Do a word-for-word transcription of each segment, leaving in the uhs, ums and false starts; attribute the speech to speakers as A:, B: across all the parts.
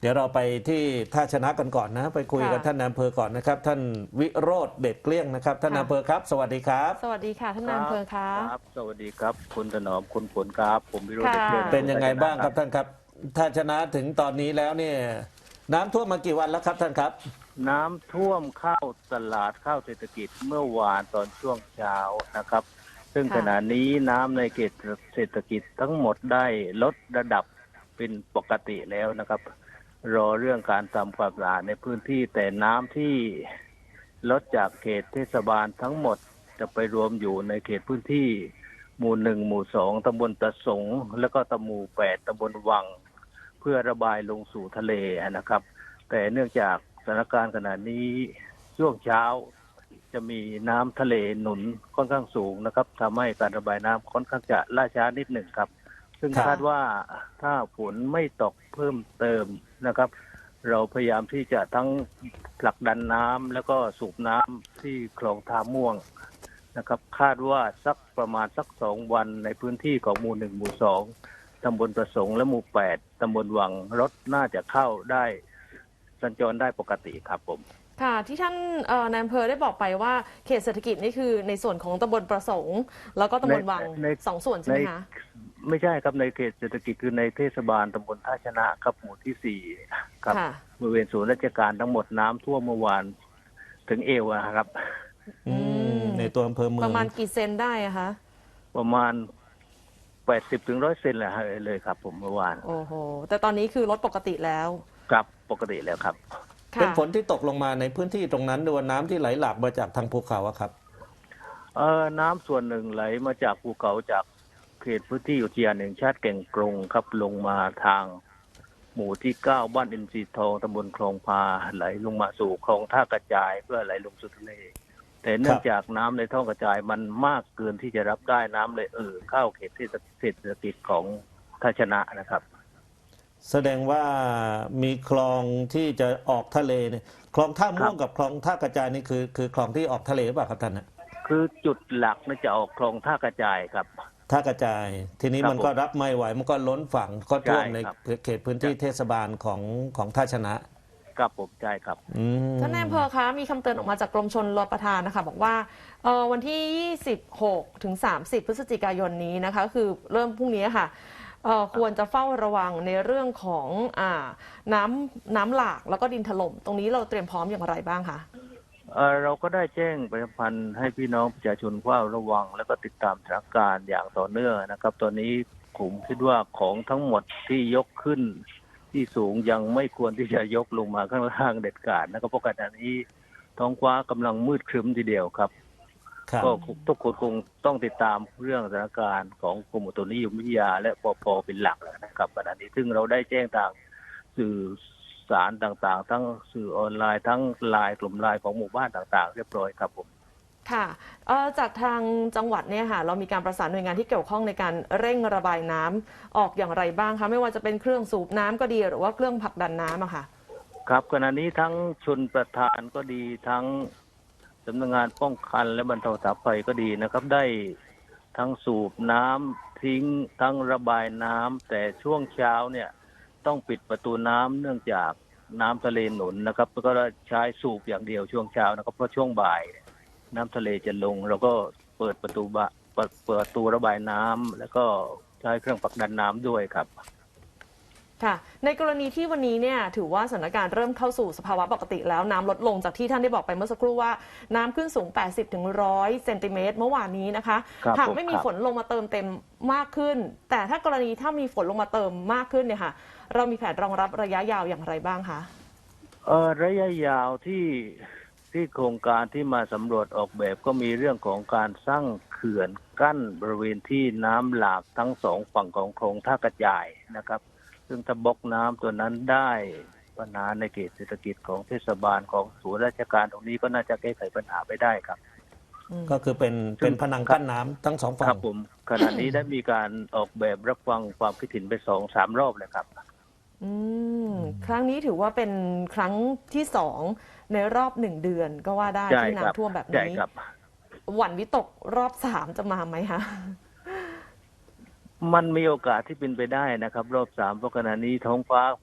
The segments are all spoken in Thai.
A: ดี๋ยวเราไปที่ท่าชนะกันก่อนนะไปคุยกับท่านนายอำเภอก่อนนะครับท่านวิโรจน์เดชเกลี้ยงนะครับท่านนายอำเภอครับสวัสดีครับ
B: สวัสดีค่ะท่านนายอำเภอคะ
C: ครับสวัสดีครับคุณถนอมคุณฝนครับผมวิโรจน์เดชเกลี้ยง
A: เป็นยังไงบ้างครับท่านครับท่าชนะถึงตอนนี้แล้วเนี่ยน้ำท่วมมากี่วันแล้วครับท่านครับ
C: น้ำท่วมเข้าตลาดข้าวเศรษฐกิจเมื่อวานตอนช่วงเช้านะครับซึ่งขณะนี้น้ำในเขตเศรษฐกิจทั้งหมดได้ลดระดับเป็นปกติแล้วนะครับรอเรื่องการทำความสะอาดในพื้นที่แต่น้ำที่ลดจากเขตเทศบาลทั้งหมดจะไปรวมอยู่ในเขตพื้นที่หมู่หนึ่งหมู่สองตำบลตะสงแล้วก็ตำหมู่แปดตำบลวังเพื่อระบายลงสู่ทะเลนะครับแต่เนื่องจากสถานการณ์ขณะนี้ช่วงเช้าจะมีน้ำทะเลหนุนค่อนข้างสูงนะครับทำให้การระบายน้ำค่อนข้างจะล่าช้านิดหนึ่งครับซึ่งคาดว่าถ้าฝนไม่ตกเพิ่มเติมนะครับเราพยายามที่จะทั้งผลักดันน้ำแล้วก็สูบน้ำที่คลองท่าม่วงนะครับคาดว่าสักประมาณสักสองวันในพื้นที่ของหมู่หนึ่งหมู่สองตำบลประสงค์และหมู่แปดตำบลวังรถน่าจะเข้าได้สัญจรได้ปกติครับผม
B: ค่ะที่ท่านนายอำเภอได้บอกไปว่าเขตเศรษฐกิจนี่คือในส่วนของตำบลประสงค์แล้วก็ตำบลวังสองส่วนใช่ไหมคะ
C: ไม่ใช่ครับในเขตเศรษฐกิจคือในเทศบาลตำบลท่าชนะครับหมู่ที่สี่ครับบริเวณศูนย์ราชการทั้งหมดน้ำท่วมเมื่อวานถึงเอวครับ
A: ในตัวอำเภอเมือง
B: ประมาณกี่เซนได้อะคะ
C: ประมาณแปดสิบถึงร้อยเซนแหละเลยครับผมเมื่อวาน
B: โอ้โหแต่ตอนนี้คือลดปกติแล้ว
C: ครับปกติแล้วครับ
A: เป็นฝนที่ตกลงมาในพื้นที่ตรงนั้นหรือว่าน้ำที่ไหลหลากมาจากทางภูเขาครับ
C: เออน้ำส่วนหนึ่งไหลมาจากภูเขาจากเขตพื้นที่อุทยานแห่งชาติแก่งกรงครับลงมาทางหมู่ที่เก้าบ้านอินทรีทองตำบลคลองพาไหลลงมาสู่คลองท่ากระจายเพื่อไหลลงสู่ทะเลแต่เนื่องจากน้ำในท่อกระจายมันมากเกินที่จะรับได้น้ำเลยเออเข้าเขตเศรษฐกิจของท่าชนะนะครับ
A: แสดงว่ามีคลองที่จะออกทะเลเนี่ยคลองท่าม่วงกับคลองท่ากระจายนี่คือคือคลองที่ออกทะเลหรือเปล่าครับท่านนะ
C: คือจุดหลักน่าจะออกคลองท่ากระจายครับ
A: ท่ากระจายทีนี้มันก็รับไม่ไหวมันก็ล้นฝั่งก็ท่วมในเขตพื้นที่เทศบาลของของท่าชนะครับ
C: ผมใช่ครับ
B: ท่านนายอำเภอคะมีคำเตือนออกมาจากกรมชลประทานนะคะบอกว่าวันที่ยี่สิบหกถึงสามสิบพฤศจิกายนนี้นะคะคือเริ่มพรุ่งนี้ค่ะควรจะเฝ้าระวังในเรื่องของอ่าน้ำน้ำหลากแล้วก็ดินถล่มตรงนี้เราเตรียมพร้อมอย่างไรบ้างคะ
C: เราก็ได้แจ้งประชาสัมพันธ์ให้พี่น้องประชาชนเฝ้าระวังแล้วก็ติดตามสถานการณ์อย่างต่อเนื่องนะครับตอนนี้ผมคิดว่าของทั้งหมดที่ยกขึ้นที่สูงยังไม่ควรที่จะยกลงมาข้างล่างเด็ดขาดนะครับเพราะขณะนี้ท้องฟ้ากำลังมืดครึ้มทีเดียวครับก็ทุกคนคงต้องติดตามเรื่องสถานการณ์ของกรมอุตุนิยมวิทยาและปป.เป็นหลักนะครับขณะนี้ซึ่งเราได้แจ้งทางสื่อสารต่างๆทั้งสื่อออนไลน์ทั้งไลน์กลุ่มไลน์ของหมู่บ้านต่างๆเรียบร้อยครับผม
B: ค่ะจากทางจังหวัดเนี่ยค่ะเรามีการประสานหน่วยงานที่เกี่ยวข้องในการเร่งระบายน้ำออกอย่างไรบ้างคะไม่ว่าจะเป็นเครื่องสูบน้ำก็ดีหรือว่าเครื่องผลักดันน้ำอะค่ะ
C: ครับขณะนี้ทั้งชลประทานก็ดีทั้งสำนักงานป้องกันและบรรเทาสาธารณภัยก็ดีนะครับได้ทั้งสูบน้ำทิ้งทั้งระบายน้ำแต่ช่วงเช้าเนี่ยต้องปิดประตูน้ำเนื่องจากน้ำทะเลหนุนนะครับแล้วก็ใช้สูบอย่างเดียวช่วงเช้านะครับเพราะช่วงบ่ายน้ำทะเลจะลงเราก็เปิดประตูบะเปิดเปิดประตูระบายน้ำแล้วก็ใช้เครื่องผลักดันน้ำด้วยครับ
B: ค่ะในกรณีที่วันนี้เนี่ยถือว่าสถานการณ์เริ่มเข้าสู่สภาวะปกติแล้วน้ำลดลงจากที่ท่านได้บอกไปเมื่อสักครู่ว่าน้ำขึ้นสูง แปดสิบถึงหนึ่งร้อย เซนติเมตรเมื่อวานนี้นะคะหากไม่มีฝนลงมาเติมเต็มมากขึ้นแต่ถ้ากรณีถ้ามีฝนลงมาเติมมากขึ้นเนี่ยค่ะเรามีแผนรองรับระยะยาวอย่างไรบ้างคะ
C: เออระยะยาวที่ที่โครงการที่มาสำรวจออกแบบก็มีเรื่องของการสร้างเขื่อนกั้นบริเวณที่น้ำหลากทั้งสองฝั่งของคลองท่ากระจายนะครับซึ่งถ้าบล็อกน้ำตัวนั้นได้ปัญหาในเขตเศรษฐกิจของเทศบาลของศูนย์ราชการตรงนี้ก็น่าจะแก้ไขปัญหาไปได้ครับ
A: ก็คือเป็นเป็นผนังกั้นน้ำทั้งสองฝั่ง
C: ครับผมขณะนี้ได้มีการออกแบบรับฟังความคิดเห็นไปสองสามรอบเลยครับ
B: อืมครั้งนี้ถือว่าเป็นครั้งที่สองในรอบหนึ่งเดือนก็ว่าได้ที่น้ำท่วมแบบนี้หวั่นวิตกรอบสามจะมาไหมคะ
C: มันมีโอกาสที่เป็นไปได้นะครับรอบสามเพราะขณะนี้ท้องฟ้าเพราะ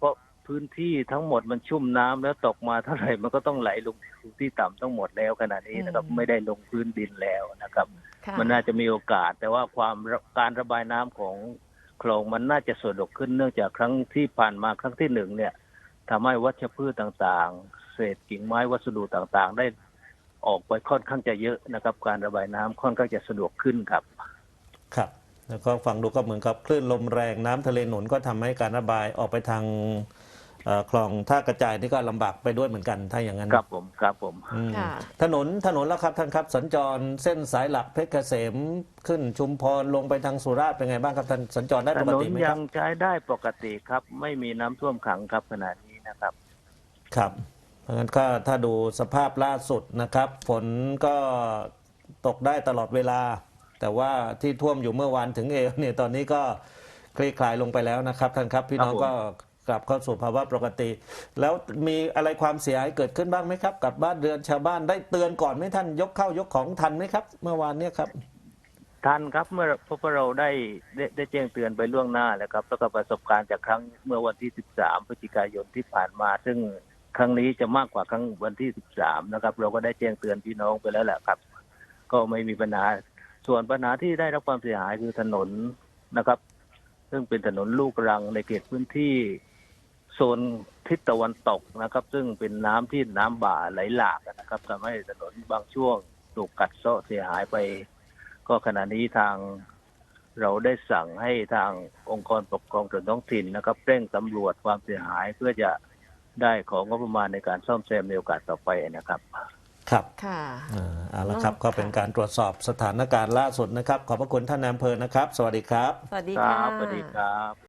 C: พื้นที่ทั้งหมดมันชุ่มน้ำแล้วตกมาเท่าไหร่มันก็ต้องไหลลงสู่ที่ต่ำทั้งหมดแล้วขณะนี้นะครับ
B: อืม
C: ไม่ได้ลงพื้นดินแล้วนะครับ
B: ค่ะ
C: มันน่าจะมีโอกาส แต่ว่าความการระบายน้ำของคลองมันน่าจะสะดวกขึ้นเนื่องจากครั้งที่ผ่านมาครั้งที่หนึ่งเนี่ยทำให้วัชพืชต่างๆ เศษกิ่งไม้วัสดุต่างๆ ได้ออกไปค่อนข้างจะเยอะนะครับ การระบายน้ำค่อนข้างจะสะดวกขึ้นครับ
A: ครับ แล้วก็ฟังดูก็เหมือนกับคลื่นลมแรงน้ำทะเลหนุนก็ทำให้การระบายออกไปทางเอ่อคลองท่ากระจายนี่ก็ลำบากไปด้วยเหมือนกันถ้าอย่างนั้น
C: ครับผมครับผม
A: อืม
B: ค่ะ
A: ถนนถนนแล้วครับท่านครับสัญจรเส้นสายหลักเพชรเกษมขึ้นชุมพรลงไปทางสุราษฎร์เป็นไงบ้างครับท่านสัญจรได้
C: ถ
A: ปก
C: นน
A: ติไหมค
C: ยั
A: รับ
C: งใช้ได้ปกติครับ ไม่มีน้ำท่วมขังครับขณะนี้นะครับ
A: ครับเพราะงั้นก็ถ้าดูสภาพล่าสุดนะครับ ฝนก็ตกได้ตลอดเวลา แต่ว่าที่ท่วมอยู่เมื่อวานถึงเอวเนี่ยตอนนี้ก็คลี่คลายลงไปแล้วนะครับท่านครับพี่น้อง
C: ครับผม
A: ก็กลับเข้าสู่ภาวะปกติ แล้วมีอะไรความเสียหายเกิดขึ้นบ้างไหมครับ กับบ้านเรือนชาวบ้านได้เตือนก่อนไหมท่านยกเข้ายกของทันไหมครับ เมื่อวานเนี่ยครับ
C: ทันครับเมื่อพวกเราได้ได้ได้แจ้งเตือนไปล่วงหน้าแล้วครับแล้วก็ประสบการณ์จากครั้งเมื่อวันที่สิบสามพฤศจิกายนที่ผ่านมา ซึ่งครั้งนี้จะมากกว่าครั้งวันที่สิบสามนะครับ เราก็ได้แจ้งเตือนพี่น้องไปแล้วแหละครับ ก็ไม่มีปัญหาส่วนปัญหาที่ได้รับความเสียหายคือถนนนะครับ ซึ่งเป็นถนนลูกรังในเขตพื้นที่โซนทิศตะวันตกนะครับ ซึ่งเป็นน้ำที่น้ำบ่าไหลหลากนะครับทำให้ถนนบางช่วงถูกกัดเซาะเสียหายไป ก็ขณะนี้ทางเราได้สั่งให้ทางองค์กรปกครองส่วนท้องถิ่นนะครับเร่งสำรวจความเสียหายเพื่อจะได้ของงบประมาณในการซ่อมแซมในโอกาสต่อไปนะครับ
A: ครับ
B: ค่ะ
A: อ่าเอาละครับ
B: อ๋อ
A: ก็เป็นการตรวจสอบสถานการณ์ล่าสุดนะครับ ขอบพระคุณท่านนายอำเภอนะครับ สวัสดีครับ
B: สวัสดี
C: ค
B: ค่ะ
C: รับสวัสดีครับ